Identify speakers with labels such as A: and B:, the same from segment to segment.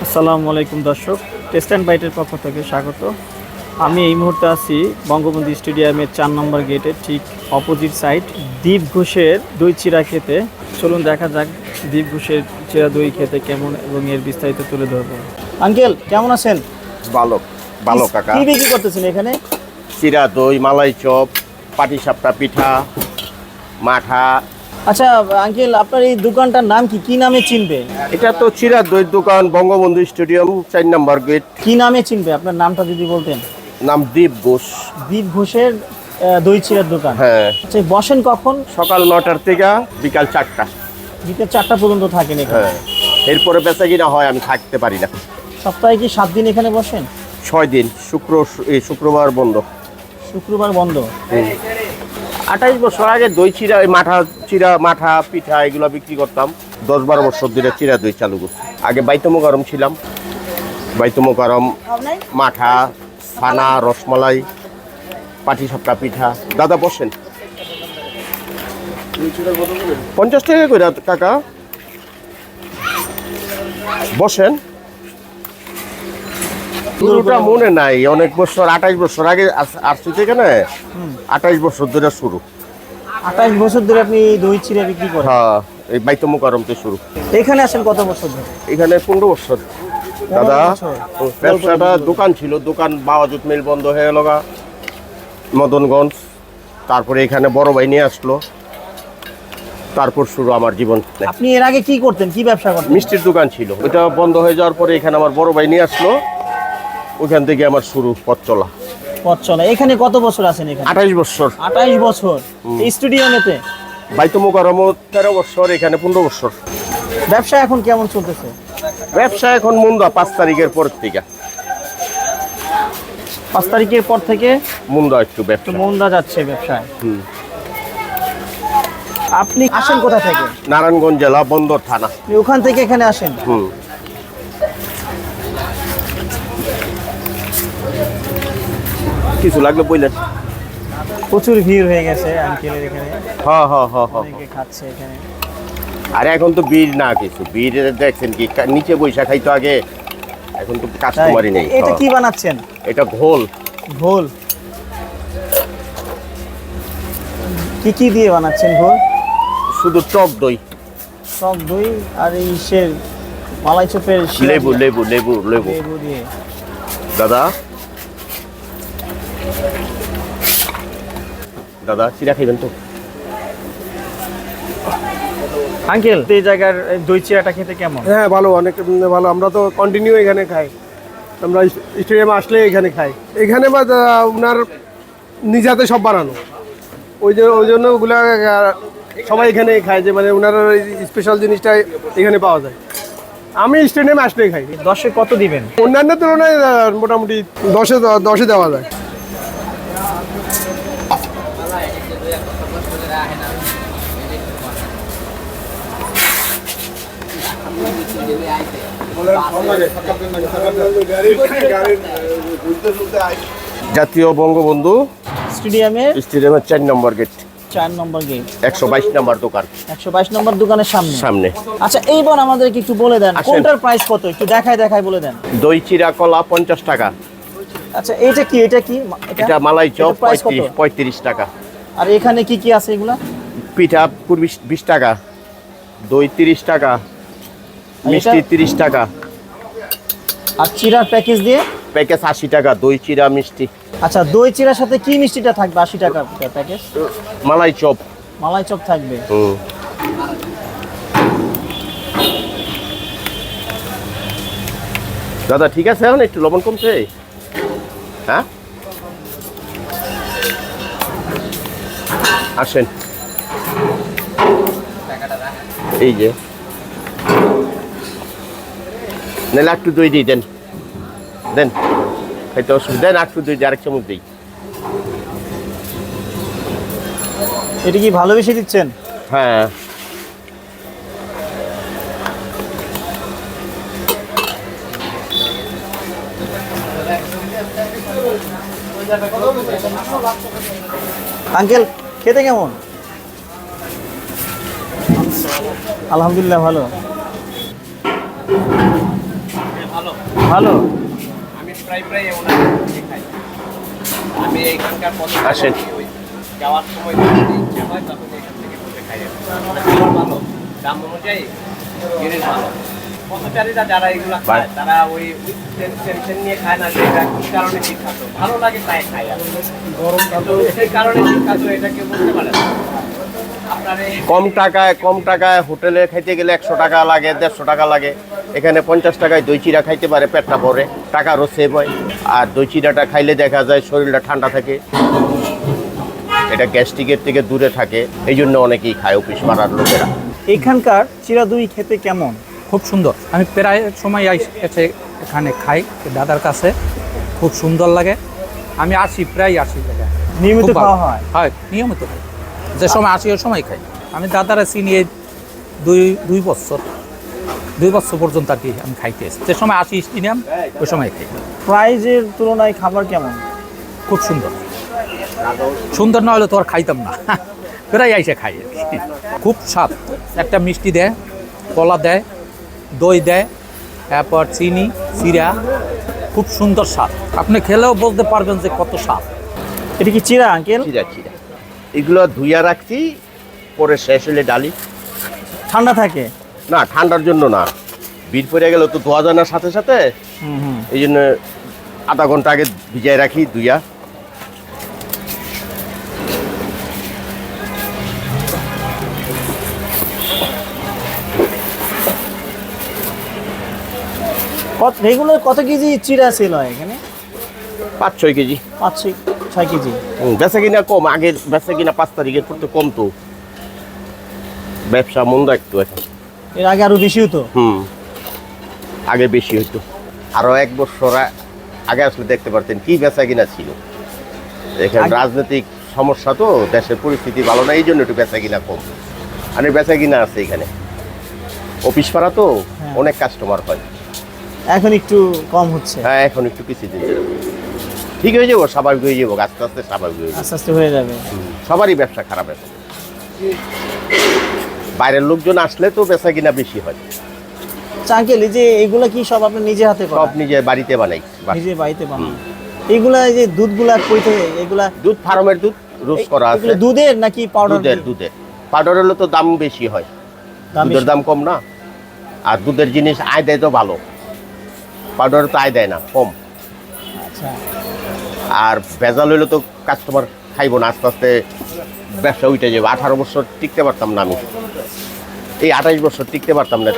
A: আসসালামু আলাইকুম দর্শক, টেস্ট অ্যান্ড বাইটের পক্ষ থেকে স্বাগত। আমি এই মুহূর্তে আছি বঙ্গবন্ধু স্টেডিয়ামের 4 নম্বর গেটের ঠিক অপোজিট সাইড দীপ ঘোষের দই চিরা খেতে। চলুন দেখা যাক দীপ ঘোষের চিরা দই খেতে কেমন এবং এর বিস্তারিত তুলে ধরবো। আঙ্কেল কেমন আছেন?
B: ভালো ভালো কাকা।
A: কি বিক্রি করতেছেন এখানে?
B: চিরা দই, মালাই চপ, পাটিসাপটা পিঠা, মাঠা।
A: আচ্ছা আঙ্কেল, আপনার এই দোকানটার নাম কি? কি নামে চিনবে?
B: এটা তো চিরা দই দোকান, বঙ্গবন্ধু স্টেডিয়াম 4 নম্বর গেট।
A: কি নামে চিনবে? আপনার নামটা যদি বলতেন।
B: নাম দীপ ঘোষ।
A: দীপ ঘোষের দই চিরার দোকান।
B: হ্যাঁ।
A: আচ্ছা, বসেন কখন?
B: সকাল 9টার থেকে বিকাল 4টা।
A: বিকেল 4টা পর্যন্ত থাকেন এখানে?
B: হ্যাঁ। এরপরে বেচা কিনা হয়, আমি থাকতে পারি না।
A: সপ্তাহে কি 7 দিন এখানে বসেন?
B: 6 দিন, শুক্রবার বন্ধ।
A: শুক্রবার বন্ধ।
B: 28 বছর আগে দই চিরা, চিরা মাঠা পিঠা এগুলো বিক্রি করতাম। 10-12 বছর ধরে চিরা দই চালু করছি। আগে বাইতুমো গরম ছিলাম। বাইতুমো গরম, মাঠা, ছানা, রসমালাই, পাটিসাপটা পিঠা। দাদা বসেন। 50 টাকা করে কাকা। বসেন। পুরোটা মনে নাই, অনেক বছর, 28 বছর আগে আসছি এখানে। 28 বছর ধরে শুরু।
A: 28 বছর ধরে আপনি দই চিরা বিক্রি করেন?
B: হ্যাঁ, এই বাইতুমো গরমতে শুরু।
A: এখানে আসেন কত বছর ধরে?
B: এখানে 15 বছর। দাদা
A: 15 বছর?
B: ব্যবসাটা দোকান ছিল, দোকান বাওয়াজুত মিল বন্ধ হয়ে গেল মদনগঞ্জ। তারপরে এখানে বড় ভাই নিয়ে আসলো, তারপর শুরু আমার জীবন।
A: আপনি এর আগে কি করতেন? কি ব্যবসা করতেন?
B: মিষ্টির দোকান ছিল, ওটা বন্ধ হয়ে যাওয়ার পরে এখানে আমার বড় ভাই নিয়ে আসলো, ওখান থেকে আমার শুরু পথ চলা।
A: পথ চলা। এখানে কত বছর আছেন এখানে?
B: 28 বছর।
A: 28 বছর এই স্টুডিওতে?
B: বাইতুমো গরম 13 বছর, এখানে 15 বছর।
A: ব্যবসা এখন কেমন চলতেছে?
B: ব্যবসা এখন মুন্দা 5 তারিখের পর থেকে।
A: 5 তারিখের পর থেকে
B: মুন্দা একটু ব্যবসা
A: মন্দা যাচ্ছে ব্যবসায়। আপনি আসেন কোথা থেকে?
B: নারায়ণগঞ্জ জেলা, বন্দর থানা।
A: আপনি ওখান থেকে এখানে আসেন?
B: কিছু লাগলে বললেন।
A: প্রচুর ভিড় হয়ে গেছে আঙ্কেলের এখানে।
B: হ্যাঁ হ্যাঁ হ্যাঁ হ্যাঁ।
A: অনেকে খাচ্ছে এখানে।
B: আরে এখন তো ভিড় না কিছু, ভিড় দেখছেন কি নিচে বৈশা খাইতো আগে, এখন তো কাস্টমারই নেই।
A: এটা কি বানাচ্ছেন?
B: এটা ঘোল।
A: ঘোল কি কি দিয়ে বানাচ্ছেন ঘোল?
B: শুধু টক দই,
A: টক দই আর এই মালাই চপের
B: লেবু লেবু লেবু লেবু
A: লেবু দিয়ে।
B: দাদা দাদা চিরা খাইবেন তো?
A: আঙ্কেল এই জায়গার দই চিরাটা খেতে কেমন?
C: হ্যাঁ ভালো, অনেক ভালো। আমরা তো কন্টিনিউ এখানে খাই, আমরা স্টেডিয়ামে আসলে এখানে খাই। এখানে বা ওনার নিজ হাতে সব বানানো, ওই জন্য ওগুলা সবাই এখানে খায়, যে মানে ওনার স্পেশাল জিনিসটা এখানে পাওয়া যায়। আমি স্টেডিয়ামে আসলেই খাই।
A: 10-এ কত দিবেন?
C: অন্যান্য তুলনায় মোটামুটি 10-এ দেওয়া যায়।
B: জাতীয় বঙ্গবন্ধু
A: স্টেডিয়ামের
B: 4 নম্বর গেট,
A: 4 নম্বর গেট,
B: 122 নম্বর দোকান,
A: 122 নম্বর দোকানের সামনে। আচ্ছা এইবার আমাদেরকে একটু বলে দেন
B: আসেন।
A: কোনটার প্রাইস কত, একটু দেখায় বলে দেন।
B: দই চিরা কলা 50 টাকা।
A: আচ্ছা এটা কি?
B: এটা মালাই চপ
A: এটার price কত?
B: 35 টাকা।
A: আর এখানে কি কি আছে এগুলা?
B: পিঠা 20 টাকা, দই 30 টাকা, মিষ্টি 30 টাকা।
A: আর চিরার প্যাকেজ দিয়ে?
B: প্যাকেজ 80 টাকা, দই চিরা মিষ্টি।
A: আচ্ছা দই চিরার সাথে কি মিষ্টিটা থাকবে? 80 টাকা প্যাকেজ।
B: মালাই চপ।
A: মালাই চপ থাকবে।
B: দাদা ঠিক আছে, এখন একটু লবণ কমছে। হ্যাঁ আসেন, এই যে নাহলে একটু দই দিই, দেন খাইতে অসুবিধা দেন, একটু দই দিই, আরেক চামচ দিই।
A: এটা কি ভালোবেসে দিচ্ছেন?
B: হ্যাঁ
A: আঙ্কেল খেতে কেমন? আলহামদুলিল্লাহ ভালো। ভালো।
B: আমি প্রায় ওনার কাছে খাই। আমি এখানকার আসেন ওই যাওয়ার সময় যদি ইচ্ছা হয় তখন এখান থেকে বসে খাই। খাবার ভালো, দাম অনুযায়ী জিনিস ভালো। পথচারীরা যারা এগুলো খায় তারা ওই টেনশন নিয়ে খায় না যে এটা কি কারণে বিখ্যাত, ভালো লাগে তাই খায়। গরম সেই কারণে বিখ্যাত এটা কেউ বলতে পারে না। কম টাকায় হোটেলে খাইতে গেলে 100 টাকা লাগে, 150 টাকা লাগে। এখানে 50 টাকায় দই চিড়া খাইতে পারে, পেটটা ভরে, টাকারও সেভ হয়। আর দই চিড়াটা খাইলে দেখা যায় শরীরটা ঠান্ডা থাকে, এটা গ্যাস্ট্রিকের থেকে দূরে থাকে, এই জন্য অনেকেই খায় অফিস পাড়ার লোকেরা।
A: এখানকার চিরা দই খেতে কেমন?
D: খুব সুন্দর। আমি প্রায় সময় এসে এখানে খাই দাদার কাছে, খুব সুন্দর লাগে। আমি আসি, প্রায় আসি জায়গায়।
A: নিয়মিত
D: খুব ভালো।
A: খাওয়া হয়?
D: হয়, নিয়মিত খাই। যে সময় আসি ওই সময় খাই। আমি দাদারা চিনি এই দুই বছর পর্যন্ত আর কি আমি খাইতে এসেছি। যে সময় আসি স্টেডিয়াম ওই সময় খাই।
A: প্রাইজের তুলনায় খাবার কেমন?
D: খুব সুন্দর। সুন্দর না হলে তো আর খাইতাম না, প্রায় এসে খাই আর কি। খুব স্বাদ। একটা মিষ্টি দেয়, কলা দেয়, দই দেয়, তারপর চিনি, চিরা, খুব সুন্দর স্বাদ। আপনি খেলেও বলতে পারবেন যে কত স্বাদ।
A: এটা কি চিরা আঙ্কেল?
B: চিরা এগুলো ধুইয়া রাখছি, পরে শেষ হলে ডালি।
A: ঠান্ডা থাকে
B: না, ঠান্ডার জন্য না, বীর পড়ে গেলে তো ধোয়া যায় না সাথে সাথে, এই জন্য আধা ঘন্টা আগে ভিজাই রাখি ধুইয়া।
A: রেগুলার কত কেজি চিরা সেল হয় এখানে?
B: 5-6 কেজি।
A: 5-6 কেজি।
B: বেচা কিনা কম, আগের বেচা কিনা 5 তারিখের পর তো কম, তো ব্যবসা মন্দ একটু এখন।
A: এর আগে আরো বেশি হতো?
B: আগে বেশি হইতো। আরো 1 বছর আগে আসলে দেখতে পারতেন কি বেচা কিনা ছিল। এখানে রাজনৈতিক সমস্যা তো, দেশের পরিস্থিতি ভালো না, এই জন্য একটু বেচা কিনা কম। আর বেচা কিনা আছে এখানে, অফিস পাড়া তো অনেক কাস্টমার হয়।
A: এখন একটু কম হচ্ছে?
B: হ্যাঁ, এখন একটু কিছুদিন ঠিক হয়ে যাবো, স্বাভাবিক হয়ে যাবো, আস্তে আস্তে স্বাভাবিক হয়ে যাবো।
A: আস্তে আস্তে হয়ে যাবে।
B: সবারই ব্যবসা খারাপ এখন। বাইরের লোকজন আসলে তো বেচা কিনা বেশি হয়।
A: আঙ্কেল, এই যে এগুলা কি সব আপনি নিজে হাতে করেন?
B: সব নিজে বাড়িতে বানাই।
A: নিজে বাড়িতে বানান? এগুলা এই যে দুধগুলা কই থেকে? এগুলা
B: দুধ ফার্মের দুধ, রোজ করা আছে।
A: এগুলো দুধের নাকি পাউডার?
B: দুধের। পাউডার হলে তো দাম বেশি হয়, দুধের দাম কম না। আর দুধের জিনিস আয় দেয় তো ভালো, পাউডার তো আয় দেয় না, কম।
A: আচ্ছা।
B: আর ভেজাল হইলে তো কাস্টমার খাইবো না, আস্তে আস্তে ব্যবসা উঠে যাবে। 18 বছর টিকতে পারতাম না আমি, এই 28 বছর টিকতে পারতাম না।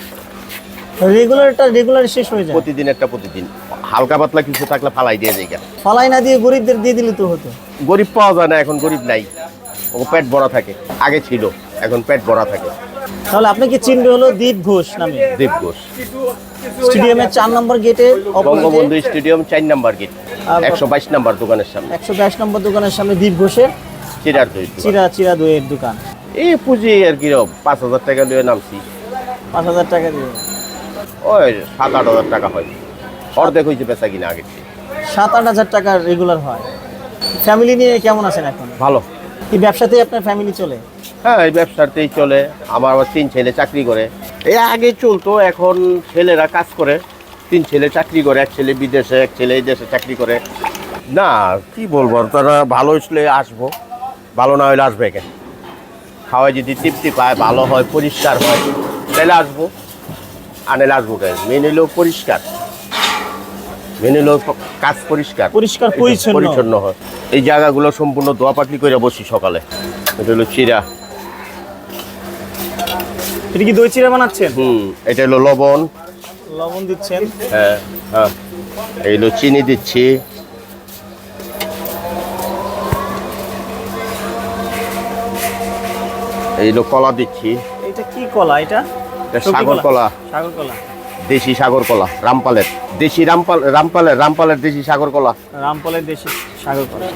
A: রেগুলার শেষ হয়ে যায়?
B: প্রতিদিন হালকা পাতলা কিছু থাকলে ফালাই দিয়ে যায়।
A: ফালাই না দিয়ে গরিবদের দিয়ে দিলে তো হতো।
B: গরিব পাওয়া যায় না এখন, গরিব নাই, ও পেট ভরা থাকে। আগে ছিল, এখন পেট ভরা থাকে।
A: তাহলে আপনাকে চিনবে হলো দীপ ঘোষ নামে।
B: দীপ ঘোষ,
A: স্টেডিয়ামের 4 নম্বর গেটে,
B: বঙ্গবন্ধু স্টেডিয়াম 4 নম্বর গেট, 122 নম্বর দোকানের সামনে।
A: 122 নম্বর দোকানের সামনে দীপ ঘোষের
B: চিরার দই,
A: চিরা দইয়ের দোকান।
B: এই পুঁজি আর কি 5,000 টাকা দিয়ে নামছি।
A: 5,000 টাকা দিয়ে?
B: ওই 7-8 হাজার টাকা হয়, অর্ধেক হয়েছে বেচা কিনা আগে।
A: 7-8 হাজার টাকা রেগুলার হয়। ফ্যামিলি নিয়ে কেমন আছেন এখন?
B: ভালো।
A: এই ব্যবসাতেই আপনার ফ্যামিলি চলে?
B: হ্যাঁ, এই ব্যবসাতেই চলে। আমার আবার 3 ছেলে চাকরি করে। এই আগে চলতো, এখন ছেলেরা কাজ করে। 3 ছেলে চাকরি করে, 1 ছেলে বিদেশে, 1 ছেলে এই দেশে চাকরি করে। না, কি বলবো, তারা ভালো হইলে আসবো, ভালো না হলে আসবে কেন। খাওয়াই যদি তৃপ্তি পায়, ভালো হয়, পরিষ্কার হয়, তাহলে আসবো, আনেলে আসবো কেন। মেন হইলো পরিষ্কার, মেন হইলো কাজ পরিষ্কার পরিচ্ছন্ন হয়। এই জায়গাগুলো সম্পূর্ণ দোয়া পাকলি করে বসি সকালে। এটা হলো চিরা।
A: এটা কি দই চিরা বানাচ্ছেন?
B: এটা হলো লবণ
A: দিচ্ছেন?
B: হ্যাঁ, এই হলো চিনি দিচ্ছি। এই হলো কলা দিচ্ছি।
A: এটা কি কলা? এটা
B: সাগর কলা।
A: সাগর কলা,
B: দেশি সাগর কলা, রামপালের দেশি, রামপালের দেশি সাগর কলা।
A: রামপালের দেশি সাগর কলা।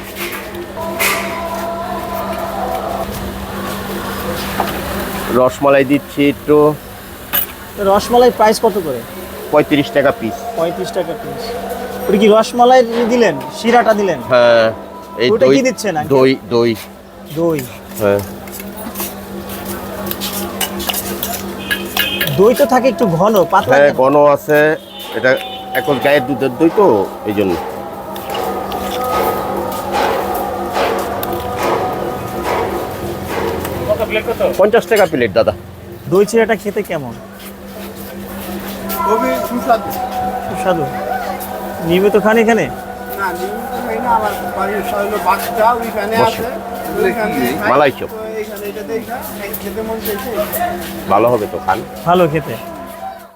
B: রসমালাই দিচ্ছি একটু।
A: রসমালাই প্রাইস কত করে?
B: 35 টাকা পিস।
A: 35 টাকা পিস। ওটা কি রসমালাই দিলেন, শিরাটা দিলেন?
B: হ্যাঁ। এই
A: ওটা কি দিচ্ছেন?
B: দই। হ্যাঁ,
A: দই তো থাকে একটু ঘন, পাতলা?
B: হ্যাঁ, ঘন আছে। এটা এখন গায়ের দুধের দই তো এই জন্য।
A: কত প্লেট কত?
B: 50 টাকা প্লেট দাদা।
A: দই চিড়াটা খেতে কেমন?
C: খুবই সুস্বাদু।
A: সুস্বাদু। নিয়মিত খান এখানে?
C: না নিয়মিত খাই না, আমার বাড়ির হলো বাচ্চা ওইখানে আছে, ওইখানে খাই।
B: মালাই চপ
C: তো এইখানে এটা দেখে খেতে মন চাইছে।
B: ভালো হবে তো খান।
A: ভালো খেতে।